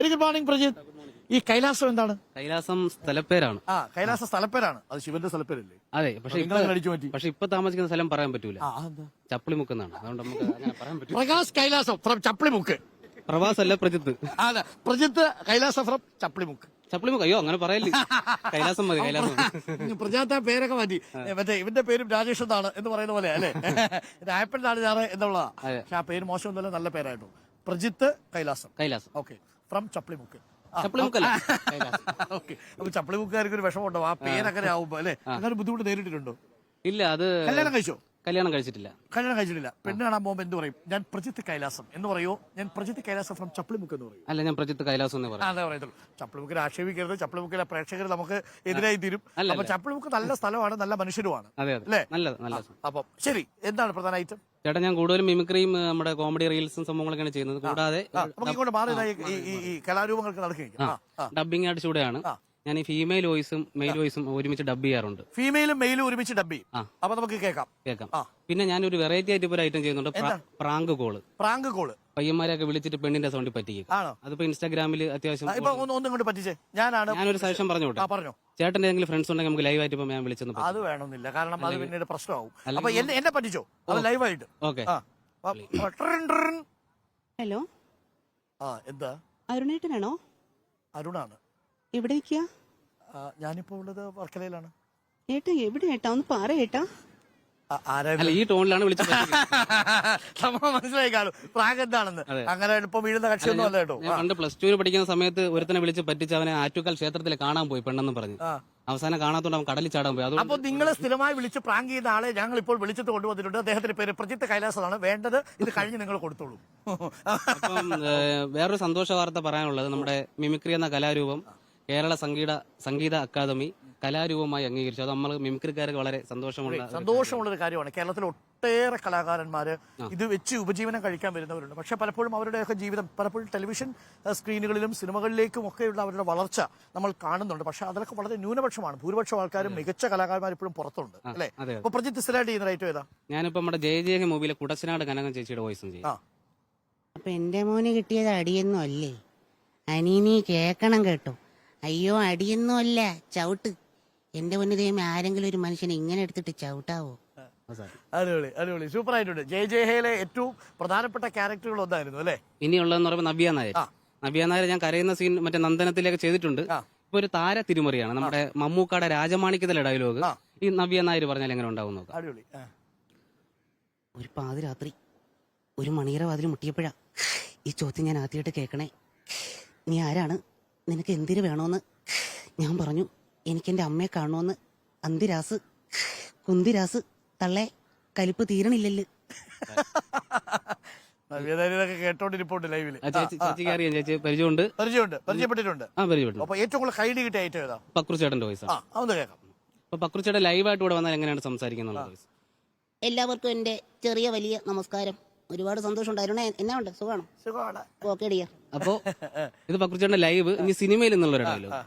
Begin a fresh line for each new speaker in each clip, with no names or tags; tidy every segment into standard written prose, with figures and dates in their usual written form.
Very good morning Prajith. ഈ കൈലാസം എന്താണ്?
കൈലാസം സ്ഥലപ്പേരാണ്.
കൈലാസ സ്ഥലപ്പേരാണ്. അത് ശിവന്റെ സ്ഥലപ്പേരല്ലേ?
അതെ, പക്ഷെ
അടിച്ചു മാറ്റി.
പക്ഷെ ഇപ്പൊ താമസിക്കുന്ന സ്ഥലം പറയാൻ പറ്റൂല. ചപ്പിളിമുക്കെന്നാണ്. അതുകൊണ്ട് നമുക്ക് അങ്ങനെ പറയാൻ പറ്റൂല.
പ്രകാശ് കൈലാസം ഫ്രം ചപ്പിളിമുക്ക്.
പ്രവാസല്ല പ്രജിത്ത്.
അതെ, പ്രജിത്ത് കൈലാസം ഫ്രം ചപ്പിളിമുക്ക്.
ചപ്പിളിമുക്ക് അയ്യോ അങ്ങനെ പറയല്ലേ. കൈലാസം മതി, കൈലാസം.
പ്രജാത്ത പേരൊക്കെ മാറ്റി. മറ്റേ ഇവന്റെ പേരും രാജേഷ് എന്നാണ് എന്ന് പറയുന്ന പോലെ അല്ലേ? രായപ്പനാണ് ഞാൻ എന്നുള്ളതാ. പക്ഷെ ആ പേര് മോശമൊന്നുമല്ല, നല്ല പേരായിരുന്നു. പ്രജിത്ത് കൈലാസം.
Kailasam
okay, from Chappilimukku.
ചപ്പിളിമുക്കല്ല.
ഓക്കെ, അപ്പൊ ചപ്പിളിമുക്കാർക്ക് ഒരു വിഷമമുണ്ടോ ആ പേരങ്ങനെ ആവുമ്പോ അല്ലെ? അങ്ങനെ ബുദ്ധിമുട്ട് നേരിട്ടിട്ടുണ്ടോ?
ഇല്ല, അത്
കല്യാണം കഴിച്ചോ?
കല്യാണം കഴിച്ചിട്ടില്ല.
കല്യാണം കഴിച്ചിട്ടില്ല. പെണ്ണ് കാണാൻ പോകുമ്പോ എന്ത് പറയും? ഞാൻ പ്രജിത്ത് കൈലാസം എന്ന് പറയോ? ഞാൻ പ്രജിത്ത് കൈലാസം ഫ്രം ചപ്പിളിമുക്ക് എന്ന് പറയും.
അല്ല, ഞാൻ പ്രജിത്ത് കൈലാസം എന്ന് പറയും.
അതെ പറയത്തുള്ളൂ. ചപ്പിളിമുക്കിൽ ആക്ഷേപിക്കരുത്. ചപ്പിളിമുക്കിലെ പ്രേക്ഷകർ നമുക്ക് എതിരായി തീരും. അപ്പൊ ചപ്പിളിമുക്ക് നല്ല സ്ഥലമാണ്, നല്ല മനുഷ്യരുമാണ് അല്ലേ?
നല്ലത്.
അപ്പൊ ശരി, എന്താണ് പ്രധാന ഐറ്റം?
ചേട്ടാ, ഞാൻ കൂടുതലും മിമിക്രിയും നമ്മുടെ കോമഡി റീൽസും സംഭവങ്ങളൊക്കെയാണ് ചെയ്യുന്നത്. കൂടാതെ
നമുക്ക് ഇങ്ങോട്ട് മാറി ഈ കലാരൂപങ്ങൾക്ക് നടക്കുകയും
ഡബിംഗ് ആയിട്ട് ചൂടെയാണ്. ഞാൻ ഈ ഫീമെയിൽ വോയിസും മെയിൽ വോയിസും ഒരുമിച്ച് ഡബ് ചെയ്യാറുണ്ട്.
ഫീമെയിലും മെയിലും ഒരുമിച്ച് ഡബ് ചെയ്യും. അപ്പൊ നമുക്ക് കേൾക്കാം.
പിന്നെ ഞാനൊരു വെറൈറ്റി ആയിട്ട് ഒരു ഐറ്റം ചെയ്യുന്നുണ്ട്. Prank call. പയ്യന്മാരെയൊക്കെ വിളിച്ചിട്ട് പെണ്ണിന്റെ സൗണ്ടിൽ പറ്റിക്കും. അതിപ്പോ ഇൻസ്റ്റാഗ്രാമിൽ അത്യാവശ്യം.
ഒന്നും പറ്റിച്ചേ. ഞാനൊരു
സജഷൻ പറഞ്ഞോട്ടെ.
പറഞ്ഞോ.
ചേട്ടന്റെ എന്തെങ്കിലും ഫ്രണ്ട്സ് ഉണ്ടെങ്കിൽ നമുക്ക് ലൈവ് ആയിട്ട് ഇപ്പൊ ഞാൻ വിളിച്ചെന്ന്.
അത് വേണമെന്നില്ല, കാരണം അത് പിന്നീട് പ്രശ്നമാവും. അപ്പൊ എന്നെ പറ്റിച്ചോ അത് ലൈവായിട്ട്?
ഓക്കെ.
ഹലോ,
എന്താ?
അരുണേട്ടനാണോ?
അരുണാണ്.
എവിടെ നിൽക്കുക?
ഞാനിപ്പോ ഉള്ളത് വർക്കലയിലാണ്.
ഏട്ടാ എവിടെ ഏട്ടാ? ഒന്ന് പറ ഏട്ടാ.
ഈ ടോണിലാണ് വിളിച്ചത്.
മനസ്സിലായി കാണും പ്രാങ്ക് എന്താണെന്ന്. അങ്ങനെ എളുപ്പം വീഴുന്ന കക്ഷിയൊന്നും അല്ല കേട്ടോ.
പണ്ട് +2 പഠിക്കുന്ന സമയത്ത് ഒരുത്തനെ വിളിച്ച് പറ്റിച്ച് അവനെ ആറ്റുകാൽ ക്ഷേത്രത്തിൽ കാണാൻ പോയി പെണ്ണെന്ന് പറഞ്ഞു. അവസാനം കാണാത്തോണ്ട് അവൻ കടലിൽ ചാടാൻ പോയി.
അപ്പൊ നിങ്ങൾ സ്ഥിരമായി വിളിച്ച് പ്രാങ്ക് ചെയ്യുന്ന ആളെ ഞങ്ങൾ ഇപ്പോൾ വിളിച്ചിട്ട് കൊണ്ടുവന്നിട്ടുണ്ട്. അദ്ദേഹത്തിന്റെ പേര് പ്രജിത്ത് കൈലാസമാണ്. വേണ്ടത് ഇത് കഴിഞ്ഞ് നിങ്ങൾ കൊടുത്തോളൂ.
അപ്പം വേറൊരു സന്തോഷ വാർത്ത പറയാനുള്ളത്, നമ്മുടെ മിമിക്രി എന്ന കലാരൂപം കേരള സംഗീത അക്കാദമി കലാരൂപമായി അംഗീകരിച്ചു. അത് നമ്മൾ മിമിക്രിക്കാർക്ക് വളരെ സന്തോഷമുള്ളൊരു
കാര്യമാണ്. കേരളത്തിൽ ഒട്ടേറെ കലാകാരന്മാര് ഇത് വെച്ച് ഉപജീവനം കഴിക്കാൻ വരുന്നവരുണ്ട്. പക്ഷെ പലപ്പോഴും അവരുടെയൊക്കെ ജീവിതം പലപ്പോഴും ടെലിവിഷൻ സ്ക്രീനുകളിലും സിനിമകളിലേക്കും ഒക്കെയുള്ള അവരുടെ വളർച്ച നമ്മൾ കാണുന്നുണ്ട്. പക്ഷെ അതിലൊക്കെ വളരെ ന്യൂനപക്ഷമാണ്. ഭൂരിപക്ഷം ആൾക്കാരും മികച്ച കലാകാരന്മാർ ഇപ്പോഴും പുറത്തുണ്ട് അല്ലെ? അപ്പൊ പ്രജിത്ത് സ്ഥിരമായിട്ട് ചെയ്യുന്ന ഐറ്റം ഏതാ?
ഞാനിപ്പോ നമ്മുടെ ജയ മൂവിയിലെ കുടച്ചനാട് കനകം ചേച്ചിയുടെ വോയിസും ചെയ്യും.
അപ്പൊ എന്റെ മോന് കിട്ടിയത് അടിയൊന്നും അല്ലേ? അനീനി കേക്കണം കേട്ടോ. അയ്യോ, അടിയൊന്നും അല്ല, ചവിട്ട്. എന്റെ മുന്നിൽ ആരെങ്കിലും ഒരു മനുഷ്യനെ ഇങ്ങനെ എടുത്തിട്ട് ചവിട്ടാവോ?
അടിപൊളി, സൂപ്പർ ആയിട്ടുണ്ട്. ജയഹയിലെ ഏറ്റവും പ്രധാനപ്പെട്ട ക്യാരക്ടറുകൾ ഒന്നായിരുന്നു അല്ലെ?
ഇനിയുള്ളതെന്ന് പറയുമ്പോൾ നവ്യ നായർ ഞാൻ കരയുന്ന സീൻ മറ്റേ നന്ദനത്തിലേക്ക് ചെയ്തിട്ടുണ്ട്. ഇപ്പൊ ഒരു താര തിരുമറിയാണ്. നമ്മുടെ മമ്മൂക്കാടെ രാജമാണിക്യത്തിലെ ഡയലോഗ് ഈ നവ്യ നായർ പറഞ്ഞാൽ എങ്ങനെ ഉണ്ടാവും നോക്കാം.
അടിപൊളി.
ഒരു പാതിരാത്രി ഒരു മണിയറ വാതിൽ മുട്ടിയപ്പോഴാ ഈ ചോദ്യം ഞാൻ ആദ്യമായിട്ട് കേൾക്കണേ. നീ ആരാണ്? നിനക്ക് എന്തിനു വേണോന്ന്? ഞാൻ പറഞ്ഞു, എനിക്കെന്റെ അമ്മയെ കാണുമെന്ന്. അന്തിരാസ് കുന്തിരാസ് തള്ളേ, കലിപ്പ് തീരണില്ലല്ലോ.
കേട്ടോണ്ടിരിപ്പുണ്ട് ലൈവില്.
പരിചയപ്പെട്ടിട്ടുണ്ട്.
ഏറ്റവും കൂടുതൽ കൈഡി കിട്ടിയ ഐറ്റം ഏതാ?
പക്രുച്ചേട്ടന്റെ വോയിസ്.
അതൊന്ന് കേൾക്കാം.
അപ്പൊ പക്രുച്ചേട്ടൻ ലൈവായിട്ട് ഇവിടെ വന്നാൽ എങ്ങനെയാണ് സംസാരിക്കുന്നത്?
എല്ലാവർക്കും എന്റെ ചെറിയ വലിയ നമസ്കാരം. ഒരുപാട് സന്തോഷം ഉണ്ടായിരുന്നേ. എന്നാ ഉണ്ട്? സുഖമാണോ? Okay dear.
അപ്പോ ഇത് പക്രുച്ചേട്ടന്റെ ലൈവ്. ഇനി സിനിമയിൽ നിന്നുള്ളൊരു ഡയലോഗ്.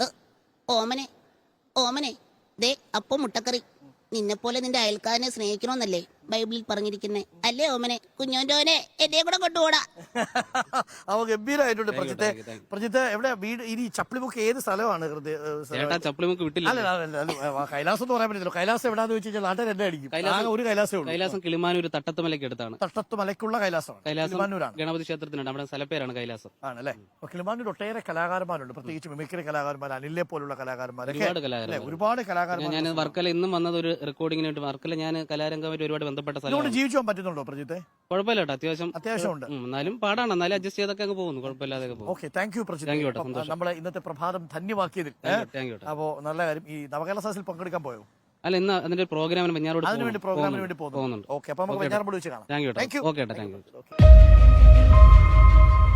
ഓമനെ ദേ അപ്പം മുട്ടക്കറി. നിന്നെ പോലെ നിന്റെ അയൽക്കാരനെ സ്നേഹിക്കണമെന്നല്ലേ ബൈബിളിൽ പറഞ്ഞിരിക്കുന്നേ? അല്ലേ ഓമനെ? കുഞ്ഞോന്റെ എന്നെ കൂടെ കൊണ്ടുപോടാ.
അവ ഗംഭീരമായിട്ടുണ്ട്. പ്രജിത്ത് എവിടെ വീട്? ഇനി ചപ്പിളിമുക്ക് ഏത് സ്ഥലമാണ്?
ചപ്പിളിമുക്ക് വിട്ടില്ല.
കൈലാസം എന്ന് പറയാൻ പറ്റില്ല. കൈലാസം എവിടാന്ന് വെച്ച് കഴിഞ്ഞാൽ നാട്ടിൽ എന്നെ അടിക്കും. ഒരു കൈലാസം
കൈലാസം കിളിമാനൂർ തട്ടത്തുമലയ്ക്ക് അടുത്താണ്.
തട്ടത്തുമലയ്ക്കുള്ള കൈലാസമാണ്.
കിളിമാനൂരാണ് ഗണപതി ക്ഷേത്രത്തിനുണ്ട്. നമ്മുടെ സ്ഥലപ്പേരാണ് കൈലാസം.
ആണല്ലേ? കിളിമാനൂർ ഒട്ടേറെ കലാകാരന്മാരുണ്ട്, പ്രത്യേകിച്ച് മിമിക്രി കലാകാരന്മാർ, അനിലെ പോലുള്ള കലാകാരന്മാരൊക്കെ ഒരുപാട് കലാകാരന്മാർ.
ഞാൻ വർക്കല ഇന്നും വന്നത് ഒരു റെക്കോർഡിങ്ങിന് വേണ്ടി. വർക്കല ഞാൻ കലാരംഗമായിട്ട് ഒരുപാട് ബന്ധപ്പെട്ട
ജീവിച്ചു പറ്റുന്നുണ്ടോ പ്രജിത്തെ?
കുഴപ്പമില്ല കേട്ടോ, അത്യാവശ്യം ഉണ്ട്. എന്നാലും പാടാണ്, എന്നാലും അഡ്ജസ്റ്റ് ചെയ്തൊക്കെ അങ്ങ് പോകുന്നു. കുഴപ്പമില്ലാതെ പോകും.
Okay, thank you Prajith. നമ്മളെ ഇന്നത്തെ പ്രഭാതം ധന്യമാക്കിയതിൽ. അപ്പോ നല്ല കാര്യം. ഈ നവകേരള സദസ്സിൽ പങ്കെടുക്കാൻ പോയോ?
അല്ല, ഇന്ന് അതിന്റെ പ്രോഗ്രാമിന്
പ്രോഗ്രാമിന് വേണ്ടി പോകുന്നുണ്ട്. ഓക്കെ, അപ്പൊ നമുക്ക് വെഞ്ഞാറമ്മൂട് വെച്ച് കാണാം.
Thank you. Okay, thank U.